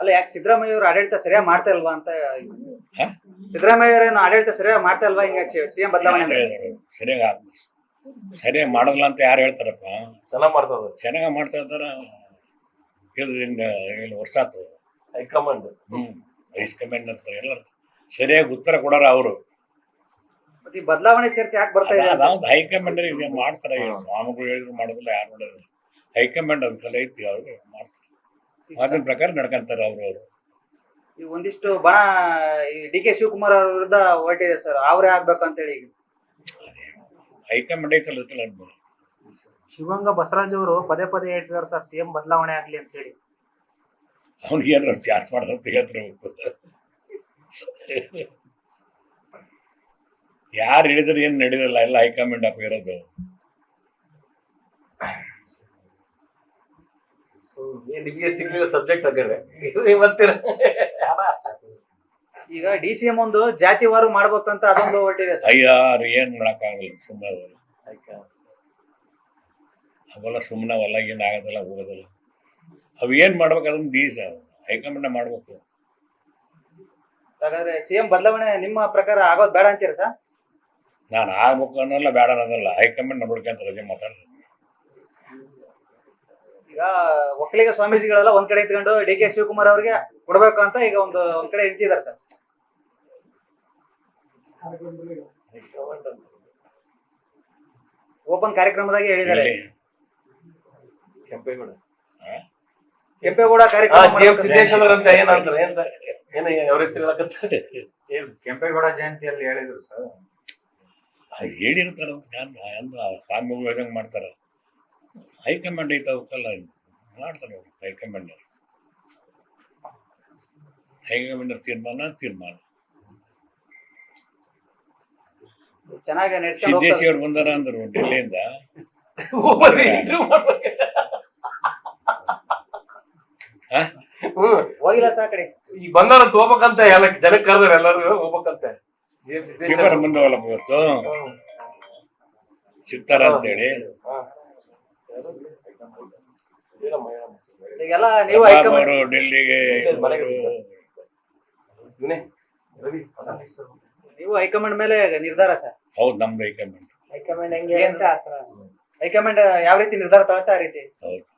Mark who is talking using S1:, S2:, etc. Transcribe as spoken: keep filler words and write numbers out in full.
S1: ಅಲ್ಲ ಯಾಕೆ ಸಿದ್ದರಾಮಯ್ಯ ಅವರು ಆಡಳಿತ ಸರಿಯಾಗಿ ಮಾಡ್ತಾ ಇಲ್ವಾ ಅಂತ ಸಿದ್ದರಾಮಯ್ಯ ಅವರೇನು ಆಡಳಿತ ಸರಿಯಾಗಿ ಮಾಡ್ತಾ ಇಲ್ವಾ ಹಿಂಗೆ ಸಿಎಂ ಬದಲಾವಣೆ
S2: ಸರಿಯಾಗಿ ಸರಿಯಾಗಿ ಮಾಡಲ್ಲ ಅಂತ ಯಾರು ಹೇಳ್ತಾರಪ್ಪ?
S3: ಚೆನ್ನಾಗ್ ಮಾಡ್ತಾ ಇದ್ದಾರೆ,
S2: ಚೆನ್ನಾಗಿ ಮಾಡ್ತಾ ಇದ್ದಾರ. ವರ್ಷ ಆಯ್ತು
S3: ಹೈಕಮಾಂಡ್
S2: ಹ್ಮ್ ಹೈಕಮಾಂಡ್ ಅಂತ ಎಲ್ಲ ಸರಿಯಾಗಿ ಉತ್ತರ ಕೊಡಾರ ಅವರು.
S1: ಈ ಬದಲಾವಣೆ ಚರ್ಚೆ ಯಾಕೆ ಬರ್ತಾ ಇದೆ?
S2: ಅದಾವ್ದು ಹೈಕಮಾಂಡ್ ಇದೆ ಮಾಡ್ತಾರೆ. ಸ್ವಾಮಿಗಳು ಹೇಳಿದ್ರು ಮಾಡೋದಿಲ್ಲ, ಯಾರು ಮಾಡೋದಿಲ್ಲ. ಹೈಕಮಾಂಡ್ ಅದಕ್ಕೆಲ್ಲ ಐತಿ, ಅವ್ರು ಮಾಡ್ತಾರೆ. ಅದ್ರ ಪ್ರಕಾರ ನಡ್ಕೊಂತಾರೆ ಅವರು ಅವರು
S1: ಈ ಒಂದಿಷ್ಟು ಬಣ ಡಿ ಕೆ ಶಿವಕುಮಾರ್ ಅವ್ರ ವಿರುದ್ಧ ಹೊರಟಿದೆ ಸರ್, ಅವರೇ ಆಗ್ಬೇಕು ಅಂತ ಹೇಳಿ.
S2: ಹೈಕಮಾಂಡ್ ಐತಲ್ಲ ಅನ್ಬೋದು.
S4: ಶಿವಗಂಗಾ ಬಸವರಾಜ್ ಅವರು ಪದೇ ಪದೇ ಹೇಳ್ತಿದಾರೆ ಸರ್ ಸಿಎಂ ಬದಲಾವಣೆ ಆಗ್ಲಿ ಅಂತ ಹೇಳಿ.
S2: ಅವ್ನಿಗೆ ಏನಾರು ಚಾರ್ಜ್ ಮಾಡೋದಂತ ಹೇಳ್ತಿರ್ಬೇಕು. ಯಾರು ಹಿಡಿದ್ರೆ ಏನ್ ನಡೆದಿಲ್ಲ, ಎಲ್ಲ ಹೈಕಮಾಂಡ್ ಅಪ್ಪ ಇರೋದು.
S3: ನಿಮಗೆ ಸಿಗ್ಲಿಲ್ಲ ಸಬ್ಜೆಕ್ಟ್ ಹಾಕಿದ್ರೆ ಬರ್ತೀರ.
S1: ಈಗ ಡಿ ಸಿ ಎಂ ಒಂದು ಜಾತಿವಾರು ಮಾಡ್ಬೇಕಂತ ಅದೊಂದು ಹೊರಟಿದೆ ಸರ್.
S2: ಅಯ್ಯಾರು ಏನ್ ಮಾಡಕ್ಕಾಗಲ್ಲ, ಸುಮ್ಮನೆ ಅವೆಲ್ಲ ಸುಮ್ಮನೆ ಅವೆಲ್ಲ ಏನ್ ಆಗೋದಿಲ್ಲ, ಹೋಗೋದಿಲ್ಲ. ಅವ್ ಏನ್ ಮಾಡ್ಬೇಕು ಅದನ್ನ ಡಿ ಹೈಕಮಾಂಡ್ ಮಾಡ್ಬೇಕು.
S1: ಹಾಗಾದ್ರೆ ಸಿಎಂ ಬದಲಾವಣೆ ನಿಮ್ಮ ಪ್ರಕಾರ ಆಗೋದು ಬೇಡ ಅಂತೀರ ಸರ್?
S2: ನಾನು ಆಗ್ಬೇಕು ಅನ್ನೋಲ್ಲ, ಬೇಡ ಅನ್ನೋದಲ್ಲ. ಹೈಕಮಾಂಡ್ ನೋಡ್ಕೊಂತ ರಜೆ ಮಾತಾಡ್ತಾರೆ.
S1: ಈಗ ಒಕ್ಕಲಿಗ ಸ್ವಾಮೀಜಿಗಳೆಲ್ಲ ಒಂದ್ ಕಡೆ ಇಟ್ಕೊಂಡು ಡಿ ಕೆ ಶಿವಕುಮಾರ್ ಅವ್ರಿಗೆ ಕೊಡ್ಬೇಕು ಅಂತ ಈಗ ಒಂದು ಒಂದ್ ಕಡೆ ನಿಂತಿದ್ದಾರೆ ಸರ್. ಓಪನ್ ಕಾರ್ಯಕ್ರಮದಾಗೆ ಹೇಳಿದ್ದಾರೆ.
S3: ಕೆಂಪೇಗೌಡ
S1: ಕೆಂಪೇಗೌಡ
S3: ಸಿದ್ದೇಶ್ವರ ಅಂತ ಏನಂತಾರೆ ಏನ್ ಸರ್? ಏನ ಅವ್ರ ಹೆಸರು
S5: ಕೆಂಪೇಗೌಡ ಜಯಂತಿಯಲ್ಲಿ ಹೇಳಿದ್ರು ಸರ್.
S2: ಹೇಳಿರ್ತಾರ ಸ್ವಾಮಿಗಳು ಹೇಳ್ದಂಗೆ ಮಾಡ್ತಾರ. ಹೈಕಮಾಂಡ್ ಐತ ಅವಕ್ಕೆಲ್ಲ ಮಾಡ್ತಾರೆ ಅವರು. ಹೈಕಮಾಂಡ್ ಹೈಕಮಾಂಡ್ ತೀರ್ಮಾನ ತೀರ್ಮಾನ
S1: ಚೆನ್ನಾಗಿ
S2: ಸಿದ್ದೇಶಿ ಅವ್ರು ಬಂದಾರ ಅಂದ್ರು ಡೆಲ್ಲಿಯಿಂದ.
S1: ಹೋಗಿಲ್ಲ ಸರ್ ಕಡೆ.
S3: ಈಗ ಬಂದಾರಂತ ಹೋಗ್ಬೇಕಂತ ಎಲ್ಲ ಜನಕ್ಕೆ ಕರೆದ್ರೆ ಎಲ್ಲರೂ ಹೋಗ್ಬೇಕಂತೆ.
S2: ಪೇಪರ್ ಬಂದವಲ್ಲ ಇವತ್ತು ಸಿಗ್ತಾರ ಅಂತೇಳಿ.
S1: ಈಗೆಲ್ಲ ನೀವು
S2: ಅವರು ಡೆಲ್ಲಿಗೆ
S1: ನೀವು ಹೈಕಮಾಂಡ್ ಮೇಲೆ ನಿರ್ಧಾರ ಸರ್?
S2: ಹೌದು, ನಮ್ದು ಹೈಕಮಾಂಡ್.
S1: ಹೈಕಮಾಂಡ್ ಹೆಂಗೆ ಅಂತ ಹೈಕಮಾಂಡ್ ಯಾವ ರೀತಿ ನಿರ್ಧಾರ ತಗೊಳ್ತಾ ಆ ರೀತಿ.
S2: ಹೌದು.